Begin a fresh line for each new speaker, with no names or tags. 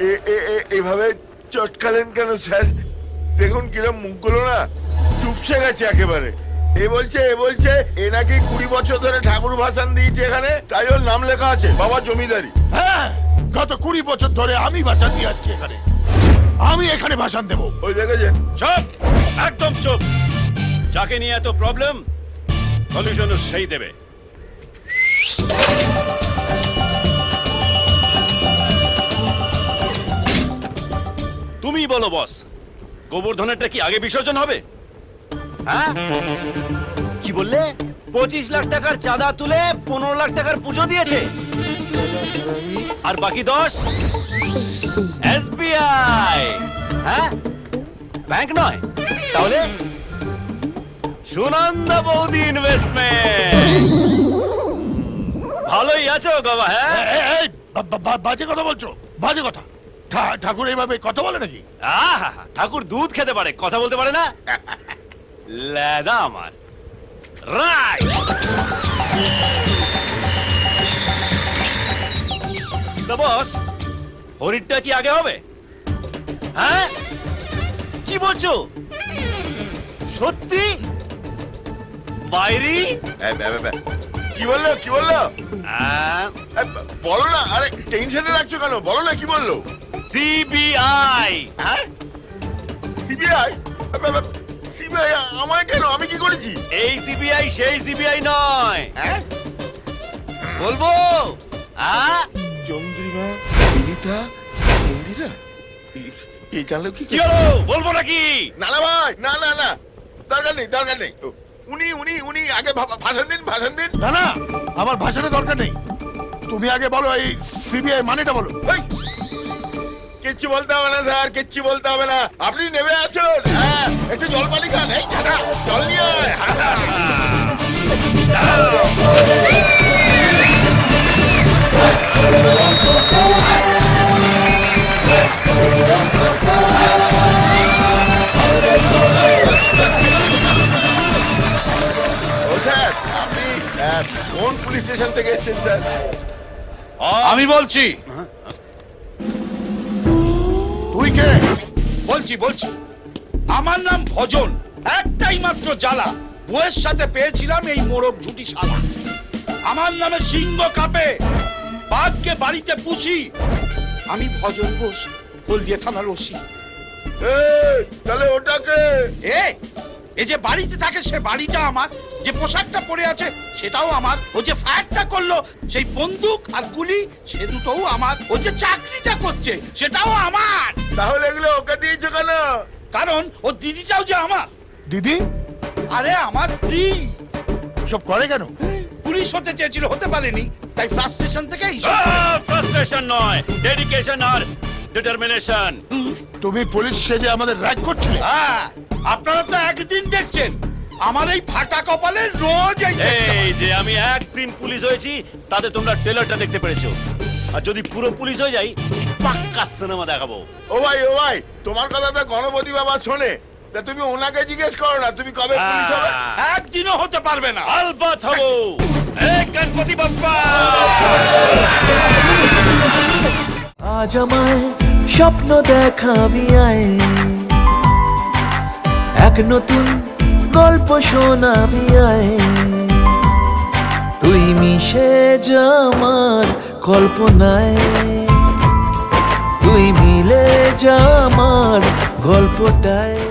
এভাবে চটকালেন কেন স্যার? দেখুন কিরম মুখগুলো না চুপসে গেছে একেবারে। এ বলছে এ নাকি 20 বছর ধরে ঠাকুর ভাসান দিয়েছে এখানে, তাই ওর নাম লেখা আছে বাবা জমিদারি।
হ্যাঁ, গত 20 বছর ধরে আমি ভাষণ দিয়ে আসছি এখানে। আমি এখানে ভাষণ দেব।
ওই দেখেছেন?
চুপ, একদম চুপ। যাকে নিয়ে এত প্রবলেম, সলিউশনও সেই দেবে। তুমি বলো বস, গোবর্ধনেরটা কি আগে বিসর্জন হবে? হ্যাঁ, কি বললে? 25 লাখ টাকার চাঁদা তুলে 15 লাখ টাকার পুজো দিয়েছে, আর বাকি 10 এসবিআই। হ্যাঁ, ব্যাংক নয় তাহলে সুনন্দা বৌদি ইনভেস্টমেন্ট। ভালোই আছো বাবা। হ্যাঁ,
বাজে কথা বলছো, বাজে কথা। ঠাকুর এইভাবে কথা বলে নাকি?
আহা, ঠাকুর দুধ খেতে পারে, কথা বলতে পারে না? লেদা আমার রাইট। তো বস, হরিণটা কি আগে হবে? হ্যাঁ, কি বলছো? সত্যি? বাইরি?
কি বললো? বলো না, আরে টেনশনে রাখছো কেন? বলো না কি বললো?
সিবিআই।
হ্যাঁ, সিবিআই? সিবিআই আমায় কেন? আমি কি করেছি?
এই সিবিআই সেই সিবিআই নয়।
হ্যাঁ,
বলবো?
চন্দ্রিমা, বিনীতা, মন্দিরা, এই জানলো কি?
কি হলো? বলবো নাকি?
না ভাই, না দরকার নেই। উনি আগে ভাষণ দিন।
না না, আমার ভাষণের দরকার নেই। তুমি আগে বলো এই সিবিআই মানেটা বলো।
কিচ্ছু বলতে হবে না স্যার, কিচ্ছু বলতে হবে না। আপনি নেমে আসুন। হ্যাঁ, একটু জল পানি খান। এই দাদা, জল নিয়ে ও স্যার, আপনি কোন পুলিশ স্টেশন থেকে এসেছেন স্যার?
আমি বলছি। তুই কে?
বলছি আমার নাম ভজন। একটাই মাত্র জ্বালা, বউয়ের সাথে পেয়েছিলাম এই মোরগ ঝুটি শালা। আমার নামে সিংহ কাঁপে, বাঘকে বাড়িতে পুষি। আমি ভজন বোস, হলদিয়া থানার ওসি।
তাহলে ওটাকে
এই যে বাড়িতে থাকে সে বাড়িটা আমার, যে পোশাকটা পরে আছে সেটাও আমার, ও যে ফায়ারটা করলো সেই বন্দুক আর গুলি সে দুটোও আমার, ও যে চাকরিটা করছে সেটাও আমার।
তাহলে এগুলো ওকে দিয়েছো কেন?
কারণ ও দিদিটাও যে আমার।
দিদি?
আরে আমার স্ত্রী।
সব করে কেন?
পুলিশ হতে চেয়েছিল, হতে পারেনি, তাই ফ্রাস্ট্রেশন থেকে
ফ্রাস্ট্রেশন নয়, ডেডিকেশন আর ডিটারমিনেশন।
তুমি পুলিশ সেজে আমাদের র‍্যাগ করছিলে?
হ্যাঁ, আপনারা তো একদিন দেখছেন, আমার এই ফাটা কপালে রোজ
এই যে আমি একদিন পুলিশ হয়েছি, তাতে তোমরা ট্রেলারটা দেখতে পেরেছো। আর যদি পুরো পুলিশ হয়ে যাই, পাক্কা সিনেমা দেখাবো।
ও ভাই, তোমার কথা তো গণপতি বাবা শোনে। তা তুমি ওনাকে জিজ্ঞেস করো না, তুমি কবে পুলিশ হবে?
একদিনও হতে পারবে না।
আলবাত হবো। এই গণপতি বাপ্পা।
আজ আমায় স্বপ্ন দেখাবি আয়, এক নতুন গল্প শোনাবি আয়, তুই মিশে যা আমার কল্পনায়, তুই মিলে যা আমার গল্পটায়।